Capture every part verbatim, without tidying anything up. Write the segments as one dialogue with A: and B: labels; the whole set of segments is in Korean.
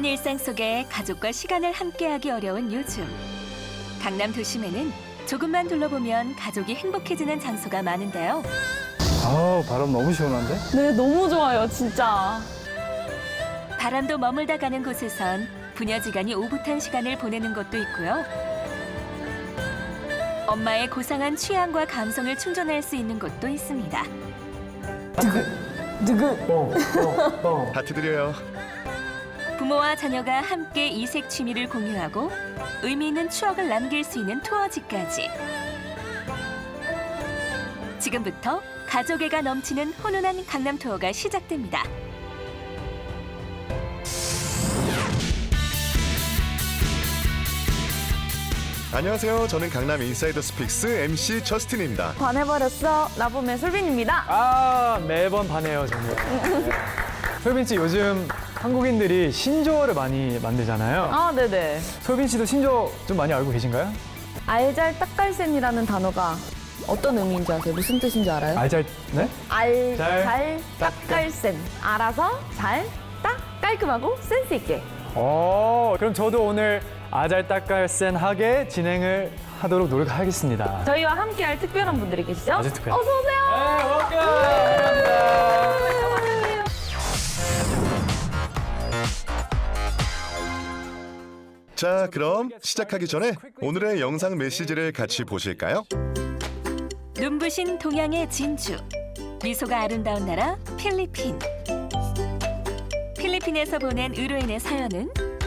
A: 바쁜 일상 속에 가족과 시간을 함께하기 어려운 요즘. 강남 도심에는 조금만 둘러보면 가족이 행복해지는 장소가 많은데요.
B: 아우, 바람 너무 시원한데?
C: 네, 너무 좋아요, 진짜.
A: 바람도 머물다 가는 곳에선 부녀지간이 오붓한 시간을 보내는 곳도 있고요. 엄마의 고상한 취향과 감성을 충전할 수 있는 곳도 있습니다.
C: 누구?
B: 어, 어, 어.
D: 하트 드려요.
A: 부모와 자녀가 함께 이색 취미를 공유하고 의미 있는 추억을 남길 수 있는 투어지까지. 지금부터 가족애가 넘치는 훈훈한 강남 투어가 시작됩니다.
D: 안녕하세요. 저는 강남 인사이더 스픽스 엠씨 저스틴입니다.
C: 반해버렸어. 나봄의 솔빈입니다.
B: 아, 매번 반해요, 정말. 솔빈 씨, 요즘 한국인들이 신조어를 많이 만들잖아요.
C: 아, 네네.
B: 솔빈 씨도 신조어 좀 많이 알고 계신가요?
C: 알잘 딱갈센이라는 단어가 어떤 의미인지 아세요? 무슨 뜻인지 알아요?
B: 알잘, 네?
C: 알잘 딱갈센. 알아서 잘, 딱, 깔끔하고 센스 있게.
B: 어, 그럼 저도 오늘 아잘딱깔센하게 진행을 하도록 노력하겠습니다.
C: 저희와 함께할 특별한 분들이 계시죠?
B: 아주 특별.
C: 어서 오세요.
B: 네, 감사합니다.
D: 자, 그럼 시작하기 전에 오늘의 영상 메시지를 같이 보실까요?
A: 눈부신 동양의 진주, 미소가 아름다운 나라 필리핀. 필리핀에서 보낸 의뢰인의 사연은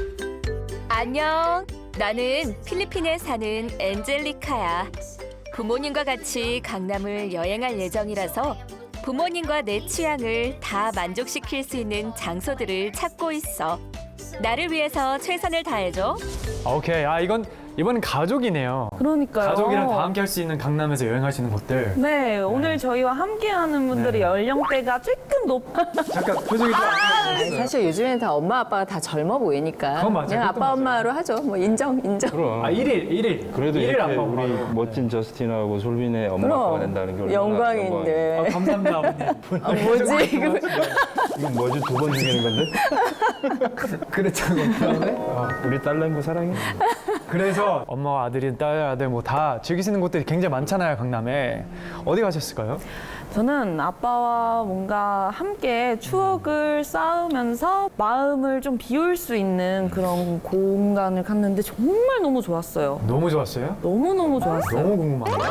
A: 안녕, 나는 필리핀에 사는 엔젤리카야. 부모님과 같이 강남을 여행할 예정이라서 부모님과 내 취향을 다 만족시킬 수 있는 장소들을 찾고 있어. 나를 위해서 최선을 다해줘.
B: 오케이, 아 이건 이번엔 가족이네요.
C: 그러니까요.
B: 가족이랑 다 함께 할 수 있는 강남에서 여행할 수 있는 곳들.
C: 네, 오늘 저희와 함께하는 분들의
B: 네.
C: 연령대가 조금 높.
B: 잠깐 표정이 좀 안 좋으세요?
E: 사실 요즘에는 다 엄마 아빠가 다 젊어 보이니까
B: 그건 맞아요.
E: 그냥
B: 그것도
E: 아빠
B: 맞아요.
E: 엄마로 하죠. 뭐 인정 인정.
F: 그럼.
B: 아, 일일, 일일.
F: 그래도
B: 일일
F: 이렇게
B: 안마
F: 우리
B: 엄마로.
F: 멋진 저스틴하고 솔빈의 엄마 아빠가 된다는 게 얼마나
E: 영광인데.
B: 아, 감사합니다, 아버님.
E: 아, 뭐지 이거?
F: 영광. 이건 뭐지 두 번 죽이는 건데?
B: 그랬잖아. 아,
F: 우리 딸내미 사랑해.
B: 그래서 엄마와 아들이 딸, 아들 뭐 다 즐길 수 있는 곳들이 굉장히 많잖아요, 강남에. 어디 가셨을까요?
C: 저는 아빠와 뭔가 함께 추억을 쌓으면서 마음을 좀 비울 수 있는 그런 공간을 갔는데 정말 너무 좋았어요.
B: 너무 좋았어요?
C: 너무너무 좋았어요.
B: 너무 궁금하네요.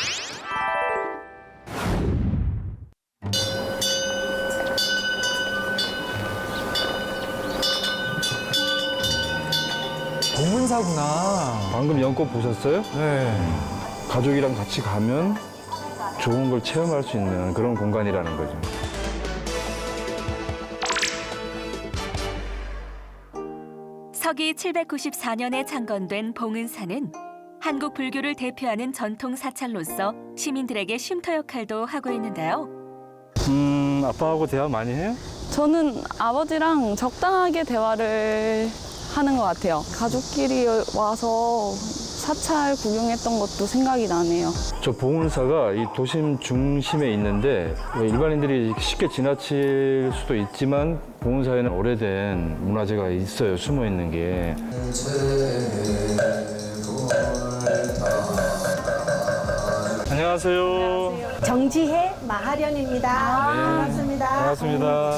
B: 동문사구나.
F: 방금 연꽃 보셨어요?
B: 네.
F: 가족이랑 같이 가면 좋은 걸 체험할 수 있는 그런 공간이라는 거죠.
A: 서기 칠백구십사 년에 창건된 봉은사는 한국 불교를 대표하는 전통 사찰로서 시민들에게 쉼터 역할도 하고 있는데요.
F: 음, 아빠하고 대화 많이 해요?
C: 저는 아버지랑 적당하게 대화를 하는 것 같아요. 가족끼리 와서 사찰 구경했던 것도 생각이 나네요.
F: 저 봉은사가 이 도심 중심에 있는데 일반인들이 쉽게 지나칠 수도 있지만 봉은사에는 오래된 문화재가 있어요. 숨어 있는 게. 안녕하세요.
G: 정지혜 마하련입니다. 반갑습니다.
F: 반갑습니다.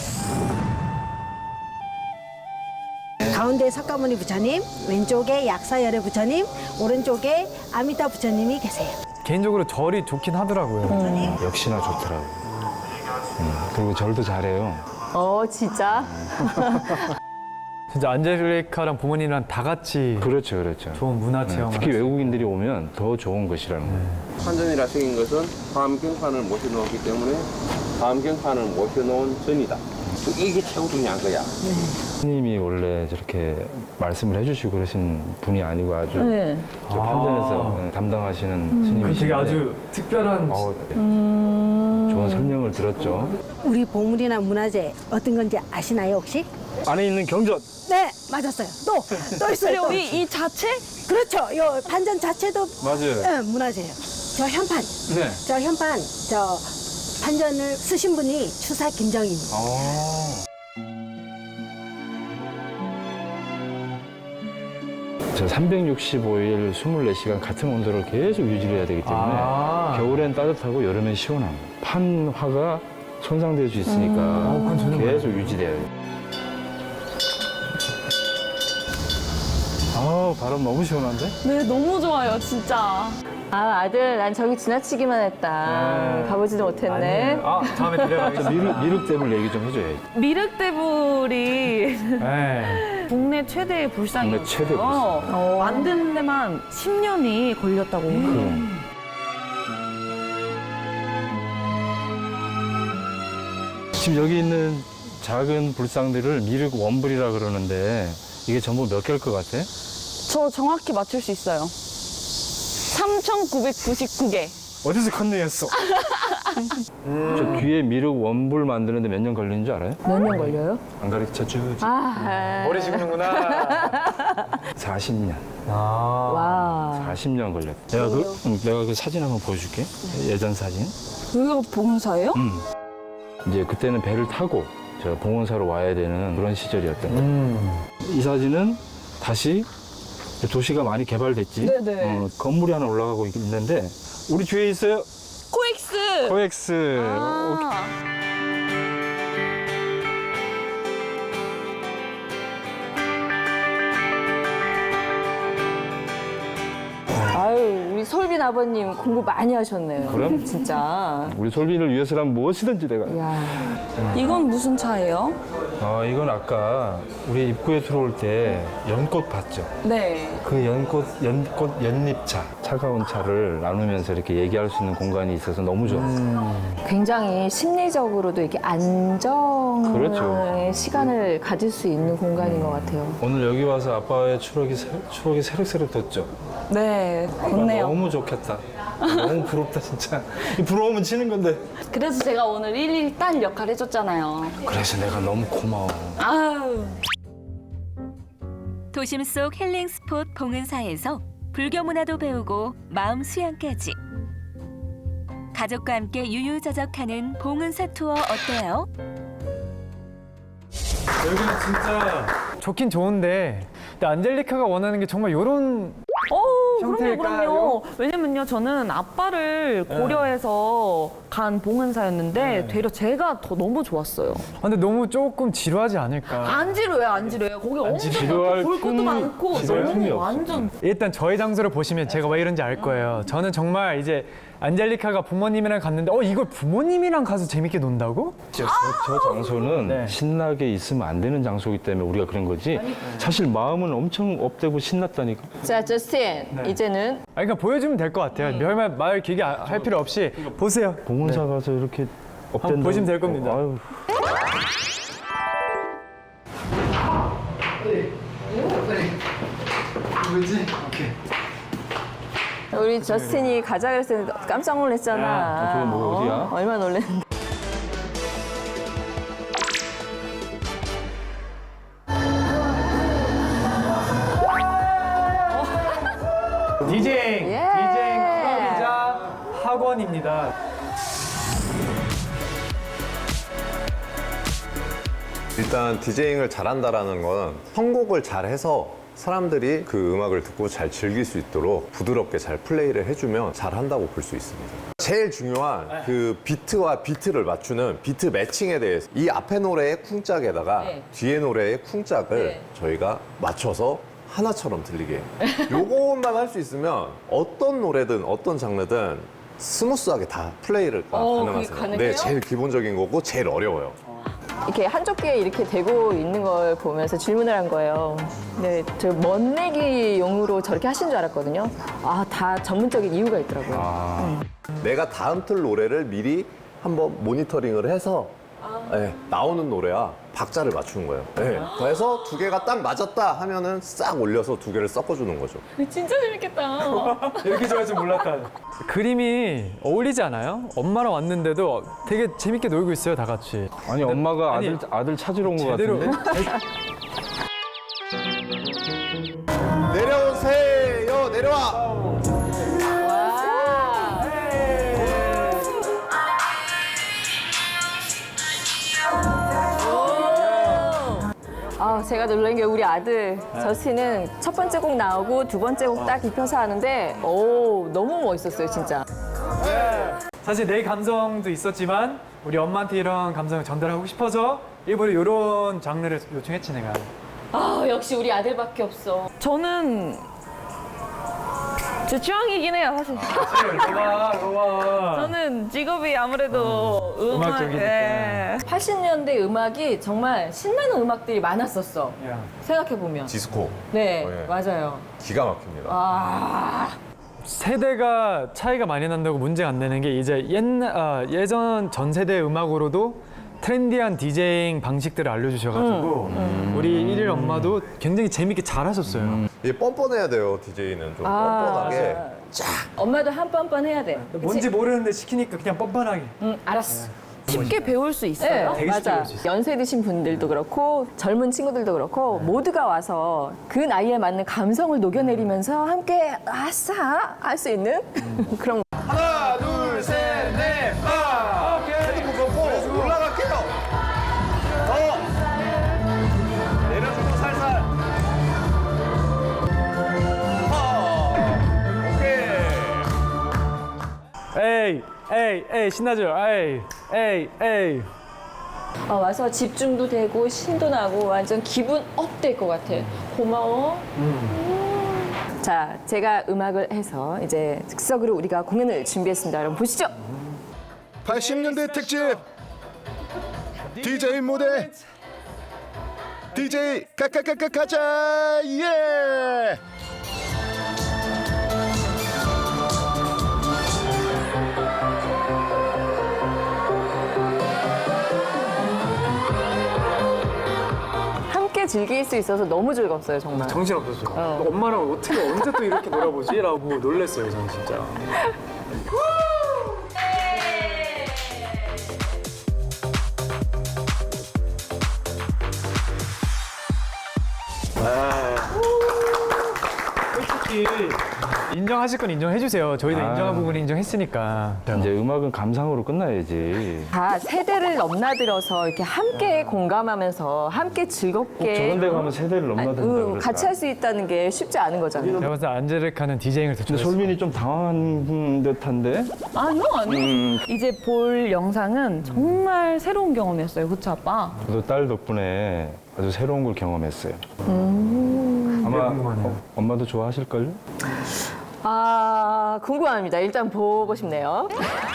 G: 가운데 석가모니 부처님, 왼쪽에 약사열애 부처님, 오른쪽에 아미타 부처님이 계세요.
B: 개인적으로 절이 좋긴 하더라고요.
F: 역시나 좋더라고요. 음, 그리고 절도 잘해요.
E: 어 진짜.
B: 진짜 안젤리카랑 부모님이랑 다 같이
F: 그렇죠, 그렇죠.
B: 좋은 문화
F: 네,
B: 체험.
F: 특히 외국인들이 오면 더 좋은 것이라는 거예요.
H: 환전이라 생긴 것은 화엄경판을 모셔놓았기 때문에 화엄경판을 모셔놓은 전이다. 이게 최고 중요한 거야.
F: 스님이 원래 저렇게 말씀을 해주시고 그러신 분이 아니고 아주
C: 네.
F: 저 편전에서 담당하시는
B: 그
F: 스님이신데
B: 되게 아주 특별한.
F: 어,
C: 음...
F: 좋은 설명을 들었죠.
G: 우리 보물이나 문화재 어떤 건지 아시나요 혹시?
F: 안에 있는 경전.
G: 네, 맞았어요. 또, 또 있어요. 또.
C: 이, 이 자체?
G: 그렇죠. 요 판전 자체도
F: 맞아요.
G: 네, 문화재예요. 저 현판,
F: 네.
G: 저 현판, 저 판전을 쓰신 분이 추사 김정입니다.
F: 아. 저 삼백육십오 일 이십사 시간 같은 온도를 계속 유지를 해야 되기 때문에
B: 아.
F: 겨울엔 따뜻하고 여름엔 시원함. 판화가 손상될 수 있으니까
B: 어, 그건 저는
F: 계속 유지돼야 돼요. 아, 바람 너무 시원한데?
C: 네, 너무 좋아요, 진짜.
E: 아, 아들, 난 저기 지나치기만 했다.
B: 네.
E: 가보지도 못했네.
B: 아니에요. 아, 다음에
F: 저
B: 데려가겠습니다.
F: 미륵, 미륵댐을 얘기 좀 해줘야지.
C: 미륵대불이
B: 네.
C: 국내 최대의 불상이었어요.
F: 국내 최대 불상.
C: 어, 만드는 데만 십 년이 걸렸다고.
F: 그럼. 지금 여기 있는 작은 불상들을 미륵 원불이라 그러는데 이게 전부 몇 개일 것 같아?
C: 저 정확히 맞출 수 있어요. 삼천구백구십구 개.
B: 어디서 컨닝했어?
F: 저 뒤에 미륵 원불 만드는데 몇 년 걸리는 줄 알아요?
E: 몇 년 걸려요?
F: 안 가르쳐주지.
E: 아,
B: 머리 식는구나.
F: 사십 년.
B: 아.
E: 와.
F: 사십 년 걸렸어. 내가 그, 응, 내가 그 사진 한번 보여줄게. 예전 사진.
C: 여기가 봉사예요?
F: 음. 이제 그때는 배를 타고 저 봉원사로 와야 되는 그런 시절이었던 거예요.
B: 음.
F: 이 사진은 다시 도시가 많이 개발됐지.
C: 네네.
F: 어, 건물이 하나 올라가고 있는데 우리 뒤에 있어요.
C: 코엑스.
F: 코엑스.
C: 아.
E: 아유, 우리 솔빈 아버님 공부 많이 하셨네요.
F: 그럼?
E: 진짜.
F: 우리 솔빈을 위해서라면 무엇이든지 내가.
E: 야.
C: 이건 무슨 차예요?
F: 아, 이건 아까 우리 입구에 들어올 때 연꽃 봤죠?
C: 네.
F: 그 연꽃, 연꽃, 연잎차. 차가운 차를 나누면서 이렇게 얘기할 수 있는 공간이 있어서 너무 좋았어요.
E: 굉장히 심리적으로도 이렇게 안정의
F: 그렇죠.
E: 시간을 가질 수 있는 공간인 것 같아요.
F: 오늘 여기 와서 아빠의 추억이, 새- 추억이 새록새록 돋죠?
C: 네, 좋네요.
F: 너무 좋겠다. 너무 부럽다, 진짜. 이 부러우면 치는 건데.
C: 그래서 제가 오늘 일일 딸 역할 해줬잖아요.
F: 그래서 내가 너무 고마워.
C: 아유.
A: 도심 속 힐링 스폿 봉은사에서 불교 문화도 배우고 마음 수양까지. 가족과 함께 유유자적하는 봉은사 투어 어때요?
B: 여기는 진짜 좋긴 좋은데 근데 안젤리카가 원하는 게 정말 이런
C: 어, 그럼요,
B: 형태일까요?
C: 그럼요. 왜냐면요, 저는 아빠를 고려해서 간 봉은사였는데
B: 네.
C: 되려 제가 더 너무 좋았어요.
B: 아, 근데 너무 조금 지루하지 않을까.
C: 안 지루해요, 안 지루해요. 거기 엄청
F: 지루할
C: 볼 것도
F: 틈이-
C: 많고
F: 지루할 틈이
C: 너무
F: 없어.
C: 완전
B: 일단 저희 장소를 보시면 제가 왜 이런지 알 거예요. 저는 정말 이제 안젤리카가 부모님이랑 갔는데 어 이걸 부모님이랑 가서 재밌게 논다고?
F: 저, 저 장소는
B: 네.
F: 신나게 있으면 안 되는 장소이기 때문에 우리가 그런 거지. 사실 마음은 엄청 업되고 신났다니까.
E: 자, 저스틴. 이제는
B: 아 그러니까 보여주면 될 것 같아요. 별말 말 길게 아- 할 필요 없이 보세요.
F: 봉원사 가서 이렇게 업된다.
B: 한번 보시면 될 겁니다.
F: 아유.
E: 우리 저스틴이 가자 그랬을 때 깜짝 놀랐잖아.
F: 야, 저기 뭐 어디야?
E: 어, 얼마나 놀랐는데.
B: 디제잉,
E: 예.
B: 디제잉 클럽이자 학원입니다.
I: 일단 디제잉을 잘한다라는 건 선곡을 잘해서 사람들이 그 음악을 듣고 잘 즐길 수 있도록 부드럽게 잘 플레이를 해주면 잘한다고 볼 수 있습니다. 제일 중요한 그 비트와 비트를 맞추는 비트 매칭에 대해서 이 앞에 노래의 쿵짝에다가
E: 네.
I: 뒤에 노래의 쿵짝을
E: 네.
I: 저희가 맞춰서 하나처럼 들리게 요것만 할 수 있으면 어떤 노래든 어떤 장르든 스무스하게 다 플레이를
E: 어, 그게
I: 가능하세요.
E: 가능해요?
I: 네, 제일 기본적인 거고 제일 어려워요.
E: 이렇게 한쪽 귀에 이렇게 대고 있는 걸 보면서 질문을 한 거예요. 네, 저 멋내기용으로 저렇게 하신 줄 알았거든요. 아, 다 전문적인 이유가 있더라고요.
F: 아,
I: 내가 다음 틀 노래를 미리 한번 모니터링을 해서 네, 나오는 노래와 박자를 맞추는 거예요. 네, 그래서 두 개가 딱 맞았다 하면은 싹 올려서 두 개를 섞어주는 거죠.
C: 진짜 재밌겠다.
B: 이렇게 좋아할 줄 몰랐다. 그림이 어울리지 않아요? 엄마랑 왔는데도 되게 재밌게 놀고 있어요, 다 같이.
F: 아니 엄마가
B: 아니,
F: 아들 아들 찾으러 온 것
B: 제대로.
F: 같은데.
I: 내려오세요, 내려와.
E: 아, 제가 놀란 게 우리 아들 저스틴은 첫 번째 곡 나오고 두 번째 곡 딱 입혀서 하는데 오 너무 멋있었어요 진짜.
B: 사실 내 감성도 있었지만 우리 엄마한테 이런 감성을 전달하고 싶어서 일부러 이런 장르를 요청했지 내가.
E: 아 역시 우리 아들밖에 없어.
C: 저는 제 취향이긴 해요, 사실.
B: 좋아, 좋아.
C: 저는 직업이 아무래도 음악,
B: 음악적이니까.
C: 예.
E: 팔십 년대 음악이 정말 신나는 음악들이 많았었어.
B: 야.
E: 생각해 보면.
I: 디스코
E: 네
I: 어, 예.
E: 맞아요.
I: 기가 막힙니다.
E: 아
B: 세대가 차이가 많이 난다고 문제가 안 되는 게 이제 옛날 아, 예전 전 세대 음악으로도 트렌디한 디제잉 방식들을 알려주셔가지고 우리 일일 엄마도 굉장히 재밌게 잘하셨어요.
I: 이게 뻔뻔해야 돼요. 디제이는 좀
E: 아,
I: 뻔뻔하게.
E: 맞아요. 엄마도 한 뻔뻔 해야 돼.
B: 뭔지 모르는데 시키니까 그냥 뻔뻔하게.
E: 응 알았어.
C: 쉽게 배울 수 있어요.
E: 네,
B: 되게 쉽게
E: 맞아.
B: 배울 수 있어요.
E: 연세 드신 분들도 그렇고 젊은 친구들도 그렇고 모두가 와서 그 나이에 맞는 감성을 녹여내리면서 함께 아싸 할 수 있는 그런.
I: 하나, 둘, 셋, 넷, 빠! 헤드폰 걷고 올라갈게요. 더! 내려주고 살살. 어! 오케이.
B: 에이, 에이, 에이 신나죠? 에이, 에이, 에이.
E: 어, 와서 집중도 되고 신도 나고 완전 기분 업 될 것 같아. 고마워. 음. 자, 제가 음악을 해서 이제 즉석으로 우리가 공연을 준비했습니다. 여러분 보시죠.
D: 팔십 년대 특집 디제이 무대 디제이 까까까까 가자 예!
E: 함께 즐길 수 있어서 너무 즐겁어요, 정말.
B: 정신 없었어요. 엄마랑 어떻게 언제 또 이렇게 놀아보지? 라고 놀랬어요, 저는 진짜. 솔직히 인정하실 건 인정해주세요. 저희도
F: 아.
B: 인정한 부분 인정했으니까.
F: 이제 음악은 감상으로 끝나야지.
E: 다 세대를 넘나들어서 이렇게 함께 공감하면서 함께 즐겁게
F: 저런 데 가면 세대를 넘나든다
E: 음,
F: 그러더라.
E: 같이 할 수 있다는 게 쉽지 않은 거잖아요.
B: 제가 봤을 때 안젤리카는 디제잉을 더
F: 근데
B: 좋아했어요.
F: 솔민이 좀 당황한 듯한데?
C: 아니요, 아니요. 이제 볼 영상은 정말 새로운 경험이었어요. 그쵸, 아빠?
F: 저도 딸 덕분에 아주 새로운 걸 경험했어요. 아마
B: 궁금하네요.
F: 어, 엄마도 좋아하실걸요?
E: 아 궁금합니다. 일단 보고 싶네요.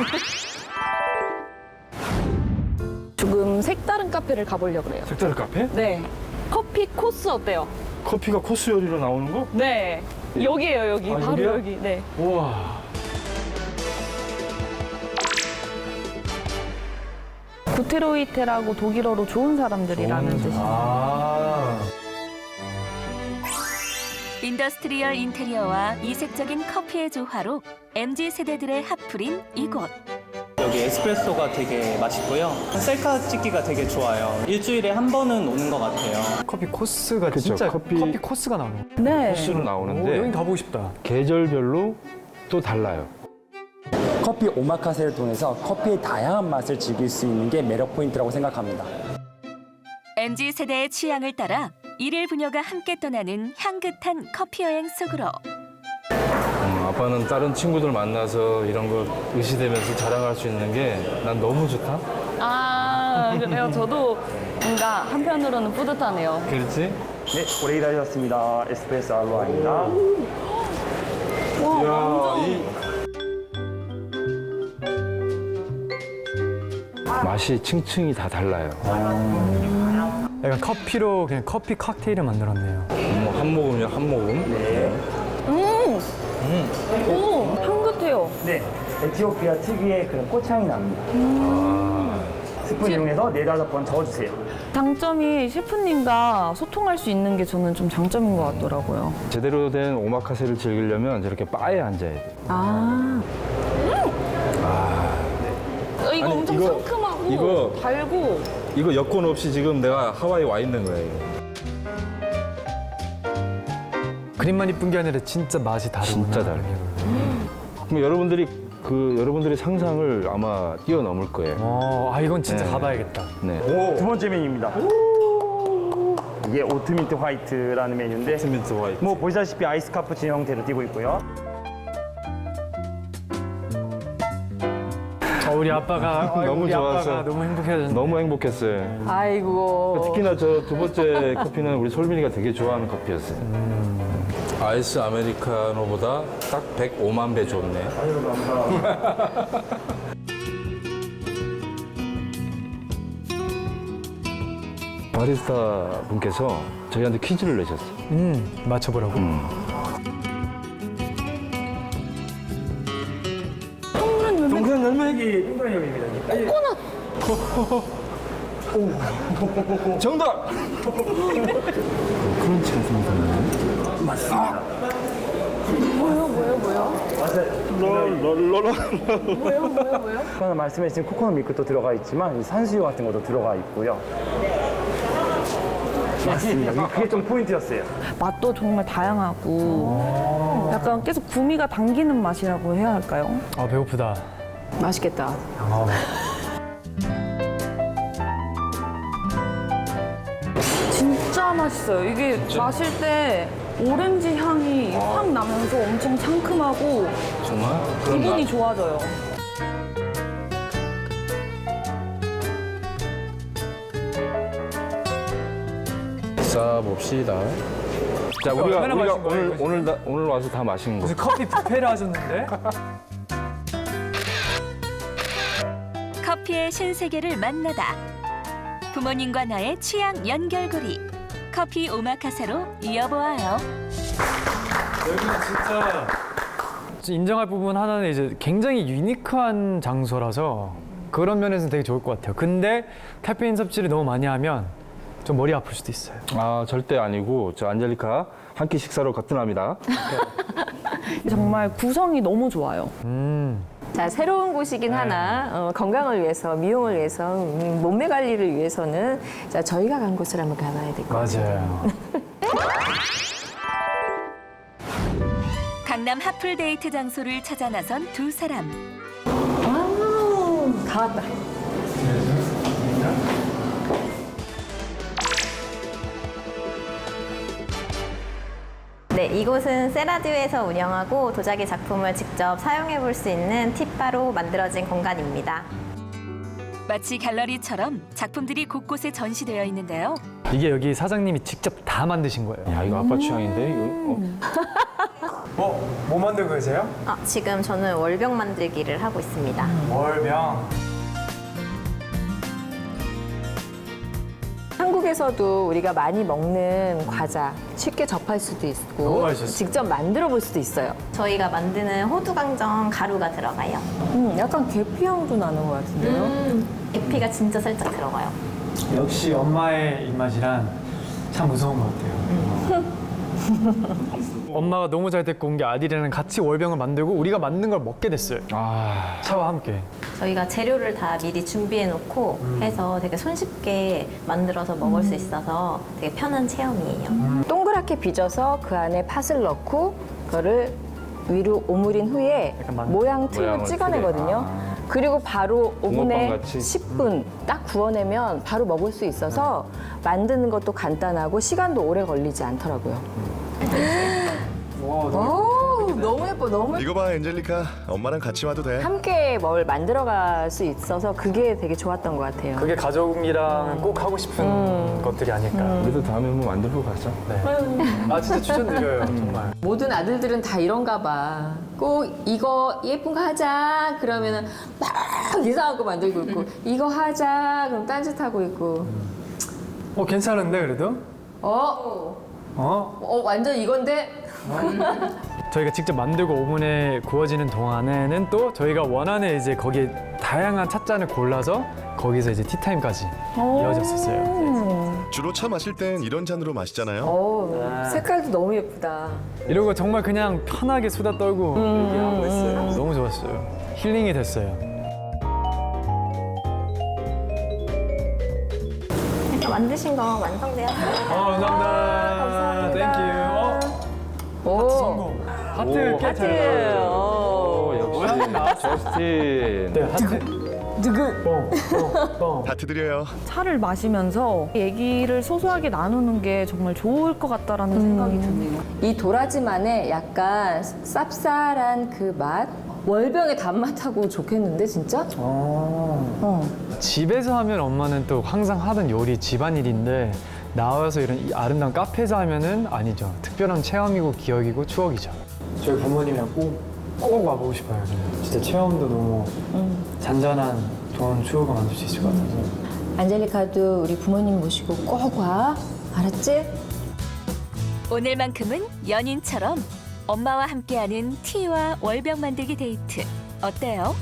C: 조금 색다른 카페를 가보려고 그래요.
F: 색다른 카페?
C: 네. 커피 코스 어때요?
F: 커피가 코스 요리로 나오는 거?
C: 네. 여기에요, 여기.
F: 아,
C: 바로
F: 여기야?
C: 여기. 네.
B: 우와.
C: 구테로이테라고 독일어로 좋은 사람들이라는 뜻이에요.
B: 아.
A: 인더스트리얼 인테리어와 이색적인 커피의 조화로 엠지 세대들의 핫플인 이곳.
J: 여기 에스프레소가 되게 맛있고요. 셀카 찍기가 되게 좋아요. 일주일에 한 번은 오는 것 같아요.
B: 커피 코스가
F: 그쵸,
B: 진짜
F: 커피-
B: 커피, 코스가 나오네.
C: 네.
F: 코스로
B: 오,
F: 나오는데
B: 여긴 가보고 싶다.
F: 계절별로 또 달라요.
K: 커피 오마카세를 통해서 커피의 다양한 맛을 즐길 수 있는 게 매력 포인트라고 생각합니다.
A: 엠지 세대의 취향을 따라 일일 부녀가 함께 떠나는 향긋한 커피 여행 속으로.
F: 음, 아빠는 다른 친구들 만나서 이런 거 의시되면서 자랑할 수 있는 게 난 너무 좋다.
C: 아, 그래요. 저도 뭔가 한편으로는 뿌듯하네요.
F: 그렇지?
K: 네, 오래 기다렸습니다. 에스프레소 알로아입니다.
C: 와, 완전.
F: 맛이 층층이 다 달라요.
B: 약간 커피로 그냥 커피 칵테일을 만들었네요.
F: 뭐 한 모금이면 한 모금.
C: 오, 향긋해요.
K: 네, 에티오피아 특유의 그런 꽃향이 납니다. 스푼 이용해서 네다섯 번 저어주세요.
C: 장점이 셰프님과 소통할 수 있는 게 저는 좀 장점인 것 같더라고요.
F: 제대로 된 오마카세를 즐기려면 저렇게 바에 앉아야 돼.
C: 아. 어, 이거
F: 아니,
C: 엄청
F: 이거-
C: 상큼하고
F: 이거-
C: 달고.
F: 이거 여권 없이 지금 내가 하와이 와 있는 거예요.
B: 그림만 이쁜 게 아니라 진짜 맛이 다르구나.
F: 진짜 달라요. 그럼 여러분들이 그 여러분들의 상상을 아마 뛰어넘을 거예요.
B: 어, 아 이건 진짜
F: 네.
B: 가봐야겠다.
F: 네.
K: 두 번째 메뉴입니다. 이게 오트민트 화이트라는 메뉴인데
F: 오트민트 화이트.
K: 뭐 보시다시피 아이스 카푸치노 형태로 띄고 있고요.
B: 어, 우리 아빠가 아이고,
F: 너무
B: 우리
F: 좋아서.
B: 아빠가 너무 행복해졌네.
F: 너무 행복했어요.
E: 아이고.
F: 특히나 저 두 번째 커피는 우리 솔민이가 되게 좋아하는 커피였어요.
L: 아이스 아메리카노보다 딱 백오만 배 좋네.
F: 바리스타 분께서 저희한테 퀴즈를 내셨어요.
B: 음, 맞춰보라고.
K: 동그란 열매기 동그란 열매입니다. 코코넛.
F: 정답! 크런치가 생각나요?
K: 맞습니다.
E: 뭐요, 뭐요, 뭐요?
K: 롤롤롤롤. 뭐요, 뭐요, 뭐요? 아까 말씀해주신 코코넛 밀크도 들어가 있지만 이 산수유 같은 것도 들어가 있고요. 맞습니다. 그게 좀 포인트였어요.
C: 맛도 정말 다양하고 약간 계속 구미가 당기는 맛이라고 해야 할까요?
B: 아, 배고프다.
E: 맛있겠다.
B: 아,
C: 진짜 맛있어요. 이게 마실 때 오렌지 향이 확 나면서 엄청 상큼하고
L: 정말?
C: 기분이 좋아져요.
L: 싸봅시다.
F: 자, 우리가,
B: 얼마나
F: 우리가
B: 마신 거예요,
F: 오늘,
B: 이거
F: 오늘, 다- 오늘 와서 다 마신 거.
B: 무슨 커피 뷔페를 하셨는데?
A: 커피의 신세계를 만나다. 부모님과 나의 취향 연결고리. 커피 오마카세로 이어보아요.
B: 여기는 진짜 인정할 부분 하나는 이제 굉장히 유니크한 장소라서 그런 면에서는 되게 좋을 것 같아요. 근데 카페인 섭취를 너무 많이 하면 좀 머리 아플 수도 있어요.
F: 아, 절대 아니고, 저 안젤리카 한 끼 식사로 거뜬합니다.
C: 정말 구성이 너무 좋아요.
B: 음.
E: 자, 새로운 곳이긴 하나 어, 건강을 위해서, 미용을 위해서, 음, 몸매 관리를 위해서는 자, 저희가 간 곳을 한번 가봐야 될 것 같아요.
B: 맞아요.
A: 강남 핫플 데이트 장소를 찾아 나선 두 사람.
E: 와우, 다 왔다.
M: 네, 이곳은 세라듀에서 운영하고 도자기 작품을 직접 사용해 볼 수 있는 팁바로 만들어진 공간입니다.
A: 마치 갤러리처럼 작품들이 곳곳에 전시되어 있는데요.
B: 이게 여기 사장님이 직접 다 만드신 거예요.
F: 야, 이거 아빠 취향인데? 이거, 어?
B: 어? 뭐 만들고 계세요?
M: 아, 지금 저는 월병 만들기를 하고 있습니다.
B: 월병.
E: 한국에서도 우리가 많이 먹는 과자 쉽게 접할 수도
B: 너무
E: 있고
B: 맛있었어요.
E: 직접 만들어 볼 수도 있어요.
M: 저희가 만드는 호두강정 가루가 들어가요.
E: 음, 약간 계피향도 나는 것 같은데요.
M: 음, 계피가 진짜 살짝 들어가요.
B: 역시 엄마의 입맛이란 참 무서운 것 같아요. 엄마가 너무 잘 데리고 온 게 아들이랑 같이 월병을 만들고 우리가 만든 걸 먹게 됐어요.
F: 아,
B: 차와 함께.
M: 저희가 재료를 다 미리 준비해 놓고 해서 되게 손쉽게 만들어서 먹을 수 있어서 되게 편한 체험이에요.
E: 동그랗게 빚어서 그 안에 팥을 넣고 그거를 위로 오므린 후에
B: 약간 만-
E: 모양 틀로
F: 모양을
E: 찍어내거든요.
F: 틀에.
E: 그리고 바로 오븐에
F: 붕어빵같이?
E: 십 분 딱 구워내면 바로 먹을 수 있어서 만드는 것도 간단하고 시간도 오래 걸리지 않더라고요. 오, 너무 예뻐, 너무 예뻐.
D: 이거 봐, 엔젤리카. 엄마랑 같이 와도 돼.
E: 함께 뭘 만들어갈 수 있어서 그게 되게 좋았던 것 같아요.
B: 그게 가족이랑 꼭 하고 싶은 것들이 아닐까.
F: 우리도 다음에 한번 만들고 가자.
B: 네. 아, 진짜 추천드려요, 정말.
E: 모든 아들들은 다 이런가 봐. 꼭 이거 예쁜 거 하자 그러면은 막 이상한 거 만들고 있고 이거 하자 그럼 딴짓하고 있고
B: 어, 괜찮은데, 그래도?
E: 어?
B: 어?
E: 어 완전 이건데?
B: 저희가 직접 만들고 오븐에 구워지는 동안에는 또 저희가 원하는 이제 거기에 다양한 찻잔을 골라서 거기서 이제 티타임까지 이어졌었어요.
D: 주로 차 마실 땐 이런 잔으로 마시잖아요.
E: 어 색깔도 너무 예쁘다.
B: 이러고 정말 그냥 편하게 수다 떨고 얘기하고 있어요. 너무 좋았어요. 힐링이 됐어요.
M: 만드신 거 완성되었어요.
B: 어, 감사합니다. 땡큐. 어,
E: 오
B: 성공. 하트
F: 오,
B: 꽤
E: 하트.
B: 잘 나와요.
E: 어.
F: 오, 역시 저스틴.
B: 네, 하트.
C: 누구?
D: 하트 드려요.
C: 차를 마시면서 얘기를 소소하게 나누는 게 정말 좋을 것 같다라는 생각이 드네요.
E: 이 도라지만의 약간 쌉쌀한 그 맛, 월병의 단맛하고 좋겠는데 진짜? 어.
B: 집에서 하면 엄마는 또 항상 하던 요리 집안일인데 나와서 이런 이 아름다운 카페에서 하면은 아니죠. 특별한 체험이고 기억이고 추억이죠. 저희 부모님이랑 꼭, 꼭 와보고 싶어요. 저는. 진짜 체험도 너무 잔잔한 좋은 추억을 만들 수 있을 것 같아서.
E: 안젤리카도 우리 부모님 모시고 꼭 와. 알았지?
A: 오늘만큼은 연인처럼 엄마와 함께하는 티와 월병 만들기 데이트 어때요?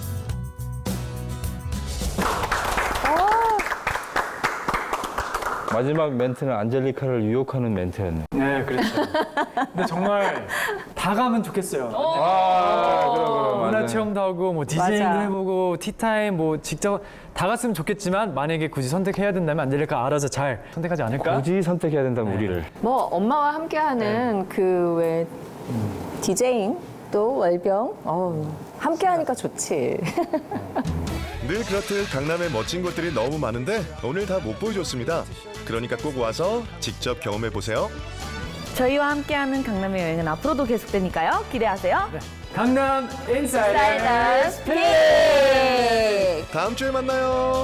F: 마지막 멘트는 안젤리카를 유혹하는 멘트였네.
B: 네, 그렇죠. 근데 정말 다 가면 좋겠어요.
F: 아, 그럼, 그럼,
B: 문화
F: 맞아요.
B: 체험도 하고 뭐 디제잉도
E: 맞아.
B: 해보고 티타임 뭐 직접 다 갔으면 좋겠지만 만약에 굳이 선택해야 된다면 안젤리카 알아서 잘 선택하지 않을까?
F: 굳이 선택해야 된다면 우리를.
E: 뭐 엄마와 함께하는 그 왜 디제잉 또 월병 어 함께하니까 좋지.
D: 늘 그렇듯 강남의 멋진 곳들이 너무 많은데 오늘 다 못 보여줬습니다. 그러니까 꼭 와서 직접 경험해 보세요.
C: 저희와 함께하는 강남의 여행은 앞으로도 계속되니까요. 기대하세요.
B: 강남 인사이더
E: 사이더 스픽.
D: 다음 주에 만나요.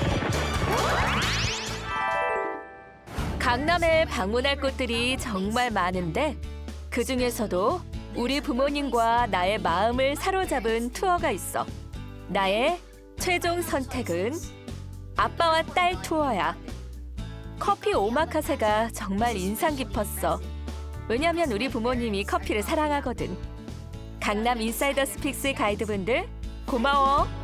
A: 강남에 방문할 곳들이 정말 많은데 그 중에서도 우리 부모님과 나의 마음을 사로잡은 투어가 있어. 나의 최종 선택은 아빠와 딸 투어야. 커피 오마카세가 정말 인상 깊었어. 왜냐면 우리 부모님이 커피를 사랑하거든. 강남 인사이더 스픽스 가이드분들 고마워.